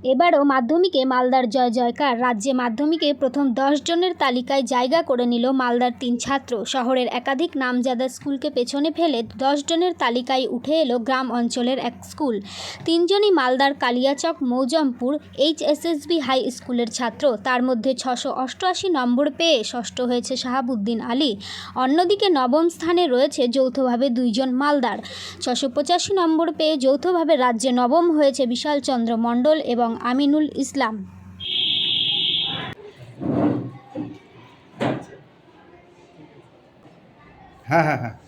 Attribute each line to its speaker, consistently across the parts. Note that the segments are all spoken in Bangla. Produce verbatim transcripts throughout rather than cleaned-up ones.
Speaker 1: এবারও মাধ্যমিকে মালদার জয় জয়কার। রাজ্যে মাধ্যমিকে প্রথম দশ জনের তালিকায় জায়গা করে নিল মালদার তিন ছাত্র। শহরের একাধিক নামজাদা স্কুলকে পেছনে ফেলে দশ জনের তালিকায় উঠে এলো গ্রাম অঞ্চলের এক স্কুল। তিনজনই মালদার কালিয়াচক মৌজমপুর এইচএসএসবি হাই স্কুলের ছাত্র। তার মধ্যে ছশো অষ্টআশি নম্বর পেয়ে ষষ্ঠ হয়েছে শাহাবুদ্দিন আলী। অন্যদিকে নবম স্থানে রয়েছে যৌথভাবে দুইজন মালদার। ছশো পঁচাশি নম্বর পেয়ে যৌথভাবে রাজ্যে নবম হয়েছে বিশাল চন্দ্র মণ্ডল এবং আমিনুল ইসলাম।
Speaker 2: হ্যাঁ হ্যাঁ হ্যাঁ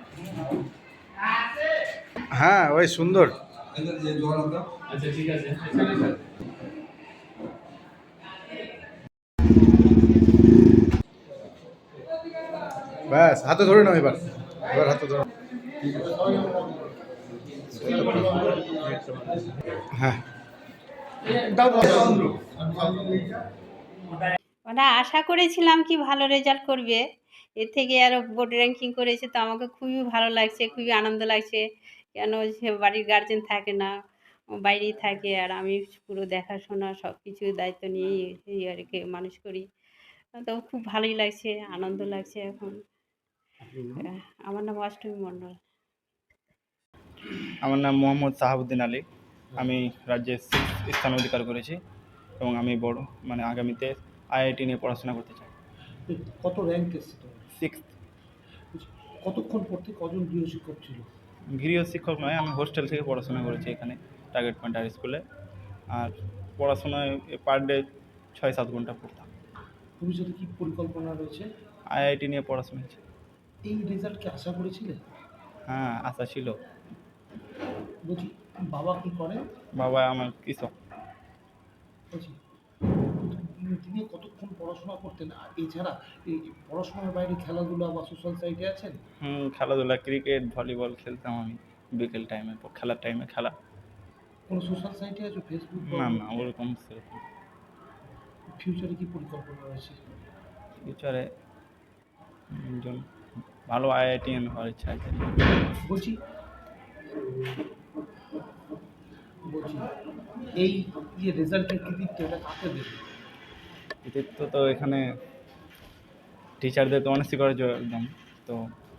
Speaker 2: হ্যাঁ ওই সুন্দর।
Speaker 3: আচ্ছা ঠিক আছে।
Speaker 2: ব্যাস হাতে ধরে নাও এবার এবার হাতে ধরো। হ্যাঁ
Speaker 4: আমরা আশা করেছিলাম কি ভালো রেজাল্ট করবে, এর থেকে আরও বোর্ড র্যাঙ্কিং করেছে, তো আমাকে খুবই ভালো লাগছে, খুবই আনন্দ লাগছে। কেন সে বাড়ির গার্জেন থাকে না, বাইরেই থাকে, আর আমি পুরো দেখাশোনা সব কিছু দায়িত্ব নিয়েই এই আর কি মানুষ করি। তো খুব ভালোই লাগছে, আনন্দ লাগছে এখন। আমার নাম অষ্টমী মণ্ডল।
Speaker 5: আমার নাম মোহাম্মদ শাহাবুদ্দিন আলী। আমি রাজ্যে সিক্স স্থান অধিকার করেছি এবং আমি বড় মানে আগামীতে আইআইটি নিয়ে পড়াশোনা করতে চাই।
Speaker 6: কত র্যাঙ্ক এসছে তোমার?
Speaker 5: সিক্স।
Speaker 6: কতক্ষণ পড়তে কজন গৃহশিক্ষক ছিল?
Speaker 5: গৃহ শিক্ষক নয়, আমি হোস্টেল থেকে পড়াশোনা করেছি এখানে টার্গেট পয়েন্ট হাই স্কুলে। আর পড়াশোনায় পার ডে ছয় সাত ঘন্টা পড়তাম।
Speaker 6: ভবিষ্যতে কী পরিকল্পনা রয়েছে?
Speaker 5: আইআইটি নিয়ে পড়াশোনা হয়েছে।
Speaker 6: এই রেজাল্ট কি আশা করেছিলে?
Speaker 5: হ্যাঁ, আশা ছিল।
Speaker 6: বলছি বাবা কী করে?
Speaker 5: বাবা আমার কৃষক।
Speaker 6: বলছি দিনে কতক্ষণ পড়াশোনা করতেন? আর এছাড়া এই পড়াশোনার বাইরে খেলাধুলা বা সোশ্যাল সাইটে আছেন?
Speaker 5: হুম, খেলাধুলা ক্রিকেট ভলিবল খেলতাম আমি বিকেল টাইমে, খেলার টাইমে খেলা।
Speaker 6: কোনো সোশ্যাল সাইটে আছো? ফেসবুক?
Speaker 5: না না ওরকম সেরকম।
Speaker 6: ফিউচারে কী পরিকল্পনা রয়েছে?
Speaker 5: ফিউচারে একজন ভালো আইআইটিএন হওয়ার ইচ্ছা আছে।
Speaker 6: বলছি বলছি এই যে রেজাল্টের কৃতিত্ব এটা কাকে দেবে?
Speaker 5: কৃতিত্ব তো এখানে টিচারদের তো অনেক স্বীকার্য একদম। তো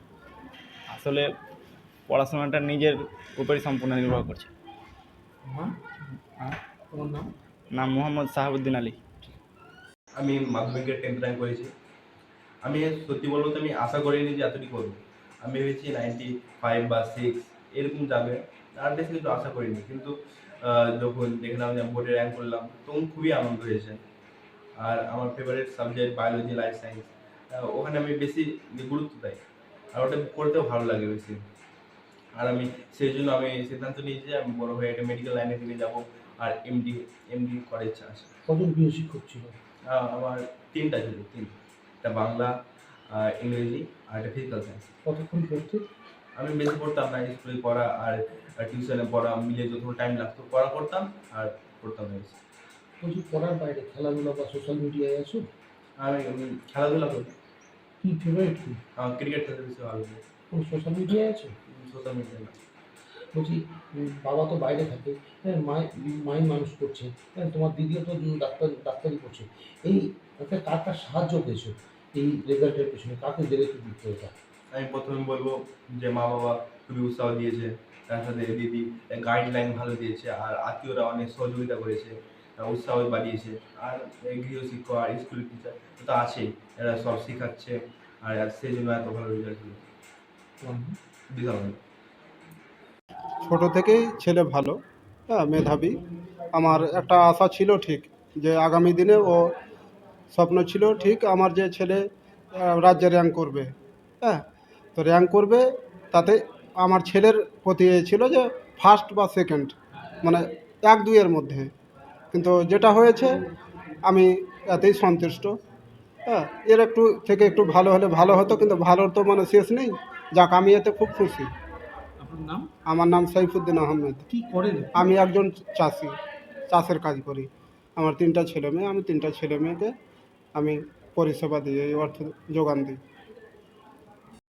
Speaker 5: আসলে পড়াশোনাটা নিজের উপরই সম্পূর্ণ নির্ভর করছে।
Speaker 6: নাম?
Speaker 5: হ্যাঁ,
Speaker 6: তোমার নাম?
Speaker 5: নাম মোহাম্মদ শাহাবুদ্দিন আলী।
Speaker 3: আমি মাধ্যমিকে টেন্থ র্যাঙ্ক করেছি। আমি সত্যি বলবো তো আমি আশা করিনি যে এতটি করবো। আমি ভেবেছি নাইনটি ফাইভ বা সিক্স এরকম যাবে, আর বেশি কিছু আশা করিনি। কিন্তু যখন দেখলাম যে বোর্ডে র্যাঙ্ক করলাম তখন খুবই আনন্দ হয়েছে। আর আমার favourite subject biology, life science, ওখানে আমি বেশি গুরুত্ব দেয়, আর ওটা করতেও ভালো লাগে বেশি। আর আমি সেই জন্য আমি সিদ্ধান্ত নিয়েছি যে আমি বড় হয়ে একটা মেডিকেল লাইনের দিকে যাবো, আর এমডি এমডি করার ইচ্ছা আছে।
Speaker 6: কজন গৃহশিক্ষক ছিল?
Speaker 3: আমার তিনটা ছিল, তিন একটা বাংলা, ইংরেজি আর একটা ফিজিক্যাল সায়েন্স।
Speaker 6: কতক্ষণ পড়তে?
Speaker 3: আমি বেশি পড়তাম না, স্কুলে পড়া আর টিউশনে পড়া মিলে যতক্ষণ টাইম লাগতো পড়া করতাম আর পড়তাম না বেশি।
Speaker 6: বলছি পড়ার বাইরে খেলাধুলা বা সোশ্যাল মিডিয়ায় আছো?
Speaker 3: আমি খেলাধুলা করি।
Speaker 6: কি ফেভারিট কি?
Speaker 3: আমার ক্রিকেট খেলতে বেশি ভালো লাগে।
Speaker 6: কোন সোশ্যাল মিডিয়ায় আছো?
Speaker 3: সোশ্যাল মিডিয়া না।
Speaker 6: বলছি বাবা তো বাইরে থাকে, হ্যাঁ, মাই মাই মানুষ করছে, হ্যাঁ, তোমার দিদিও তো ডাক্তার ডাক্তারি করছে। এই একটা কার কার সাহায্য পেয়েছো এই রেজাল্টের পেছনে? কাকে দিলে কি দিতে এটা?
Speaker 3: আমি প্রথমে বলবো যে মা বাবা খুবই উৎসাহ দিয়েছে, তার সাথে দিদি গাইডলাইন ভালো দিয়েছে, আর আত্মীয়রা অনেক সহযোগিতা করেছে, উৎসাহ বাড়িয়েছে। আর গৃহশিক্ষক আর স্কুল টিচার তো আছেই, এরা সব শেখাচ্ছে, আর সেই জন্য এত ভালো রেজাল্ট হলো। বিশাল ভালো।
Speaker 7: ছোট থেকেই ছেলে ভালো, হ্যাঁ, মেধাবী। আমার একটা আশা ছিল ঠিক যে আগামী দিনে ও স্বপ্ন ছিল ঠিক আমার যে ছেলে রাজ্যে র্যাঙ্ক করবে, হ্যাঁ, তো র্যাঙ্ক করবে, তাতে আমার ছেলের প্রতি ছিল যে ফার্স্ট বা সেকেন্ড, মানে এক দুইয়ের মধ্যে। কিন্তু যেটা হয়েছে আমি এতেই সন্তুষ্ট। হ্যাঁ, এর একটু থেকে একটু ভালো হলে ভালো হতো, কিন্তু ভালোর তো মানে শেষ নেই। যাক, আমি এতে খুব খুশি।
Speaker 6: আপনার নাম?
Speaker 7: আমার নাম সাইফুদ্দিন আহমেদ।
Speaker 6: কি করেন?
Speaker 7: আমি একজন চাষি, চাষের কাজ করি। আমার তিনটা ছেলে মেয়ে, আমি তিনটা ছেলে মেয়েকে আমি পরিষেবা দিই, এই অর্থ যোগান দিই।